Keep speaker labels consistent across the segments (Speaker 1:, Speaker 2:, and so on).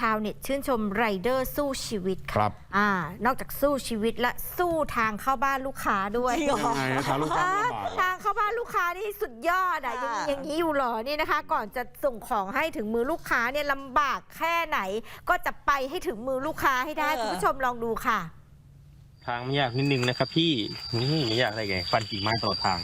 Speaker 1: าวเน็ตชื่นชมไรเดอร์สู้ชีวิต
Speaker 2: ครับ
Speaker 1: นอกจากสู้ชีวิตและสู้ทางเข้าบ้านลูกค้าด้วย
Speaker 2: ยังไงทางลูกค้าลำบาก
Speaker 1: ทางเข้าบ้านลูกค้านี่สุดยอดยังมีอย่างนี้อยู่หรอนี่นะคะ ก่อนจะส่งของให้ถึงมือลูกค้าเนี่ยลำบากแค่ไหนก็จะไปให้ถึงมือลูกค้าให้ได้คุณผู้ชมลองดูค่ะ
Speaker 3: ทางไม่ยากนิดนึงนะครับพี่นี่ไม่ยากอะไรไงฟันกิ่งไม้ตลอดทาง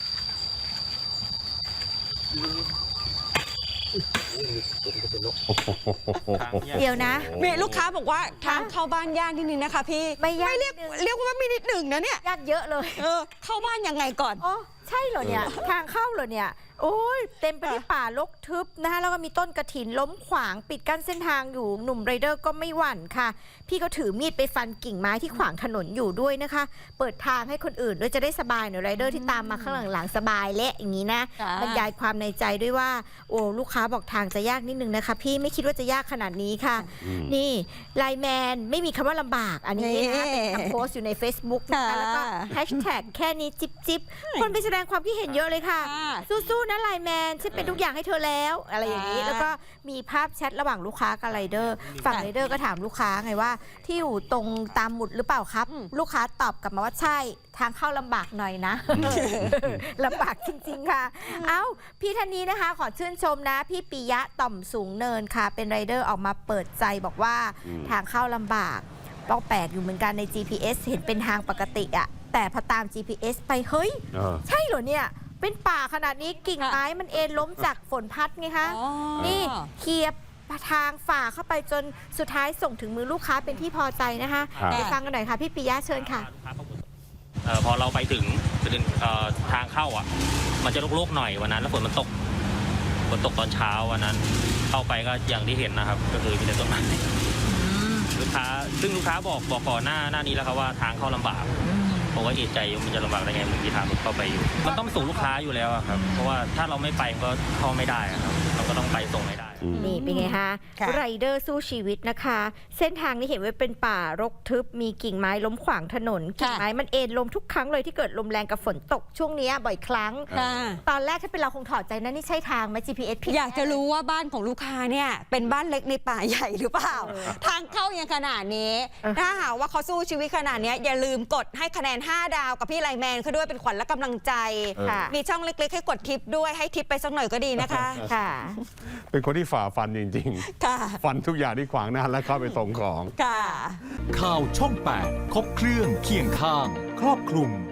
Speaker 1: เดี๋ยวนะ
Speaker 4: มีลูกค้าบอกว่าทางเข้าบ้านยากนิดนึงนะคะพี่
Speaker 1: ไม่ยาก
Speaker 4: เรียกว่าไม่นิดหนึ่งนะเนี่ย
Speaker 1: ยากเยอะเลย
Speaker 4: เข้าบ้านยังไงก่อน
Speaker 1: อ๋อใช่เหรอเนี่ย ทางเข้าเหรอเนี่ย โอ้ยเต็มไปด้วยป่ารกทึบนะคะแล้วก็มีต้นกระถินล้มขวางปิดกั้นเส้นทางอยู่หนุ่มไรเดอร์ก็ไม่หวั่นค่ะ พี่เขาถือมีดไปฟันกิ่งไม้ที่ขวางถนนอยู่ด้วยนะคะ เปิดทางให้คนอื่นด้วยจะได้สบายหน่อยไรเดอร์ที่ตามมาข้างหลังๆสบายเละอย่างนี้นะ
Speaker 4: ค่ะ
Speaker 1: บรรยายความในใจด้วยว่าโอ้ลูกค้าบอกทางจะยากนิดนึงนะคะพี่ไม่คิดว่าจะยากขนาดนี้ค่ะ นี่ไลน์แมนไม่มีคำว่าลำบากอันนี้นะคะเป็นคำโพสต์อยู่ใน Facebook นะคะแล้วก็แฮชแท็กแค่นี้จิ๊บคนไปแสดงความคิดเห็นเยอะเลยค่ะ สู้ๆนะไลน์แมนฉันเป็นทุกอย่างให้เธอแล้วอะไรอย่างนี้แล้วก็มีภาพแชทระหว่างลูกค้ากับไรเดอร์ฝั่งไรเดอร์ก็ถามลูกค้าไงว่าที่อยู่ตรงตามหมุดหรือเปล่าครับ ลูกค้าตอบกลับมาว่าใช่ทางเข้าลำบากหน่อยนะ ลำบากจริงๆค่ะเอ้าพี่ท่านนี้นะคะขอชื่นชมนะพี่ปิยะต่อมสูงเนินค่ะเป็นไรเดอร์ออกมาเปิดใจบอกว่าทางเข้าลำบากต้องแปลกอยู่เหมือนกันใน GPS เห็นเป็นทางปกติอะแต่พอตาม GPS ไปเฮ้ยใช่เหรอเนี่ยเป็นป่าขนาดนี้กิ่งไม้มันเอ็นล้มจากฝนพัดไงคะนี่เคลียร์ทางฝ่าเข้าไปจนสุดท้ายส่งถึงมือลูกค้าเป็นที่พอใจนะคะไปฟังกันหน่อยค่ะพี่ปิยะเชิญค่ะ
Speaker 3: พอเราไปถึงทางเข้าอ่ะมันจะโล่งๆหน่อยวันนั้นแล้วฝนตกตอนเช้าวันนั้นเข้าไปก็อย่างที่เห็นนะครับก็คือมีแต่ต้นไม้ลูกค้าซึ่งลูกค้าบอกก่อนหน้านี้แล้วครับว่าทางเข้าลำบากผมก็เอะใจมันจะลำบากได้ไงมันมีทางเข้าไปอยู่มันต้องส่งลูกค้าอยู่แล้วครับเพราะว่าถ้าเราไม่ไปก็เข้าไม่ได้ครับเราก็ต้องไปส่งให้ได้
Speaker 1: นี่เป็นไงคะไรเดอร์สู้ชีวิตนะคะ เส้นทางนี้เห็นว่าเป็นป่ารกทึบมีกิ่งไม้ล้มขวางถนนกิ่งไม้มันเอ็นลมทุกครั้งเลยที่เกิดลมแรงกับฝนตกช่วงนี้บ่อยครั้งตอนแรกถ้าเป็นเราคงถอดใจนะนี่ใช่ทางไหม GPS ผิด
Speaker 4: อยากจะรู้ว่าบ้านของลูกค้าเนี่ยเป็นบ้านเล็กในป่าใหญ่หรือเปล่าทางเข้ายังขนาดนี้ถ้าหากว่าเขาสู้ชีวิตขนาดนี้อย่าลืมกดให้คะแนน5 ดาวกับพี่ไลน์แมนเขาด้วยเป็นขวัญและกำลังใจมีช่องเล็กๆให้กดทิปด้วยให้ทิปไปสักหน่อยก็ดีนะคะ
Speaker 1: ค่ะ
Speaker 2: เป็นคนที่ฝ่าฟันจริงๆฟันทุกอย่างที่ขวางหน้าแล้วเข้าไปส่งของ
Speaker 4: ค่ะ
Speaker 5: ข่าวช่อง 8 ครบเครื่องเคียงข้างครอบคลุม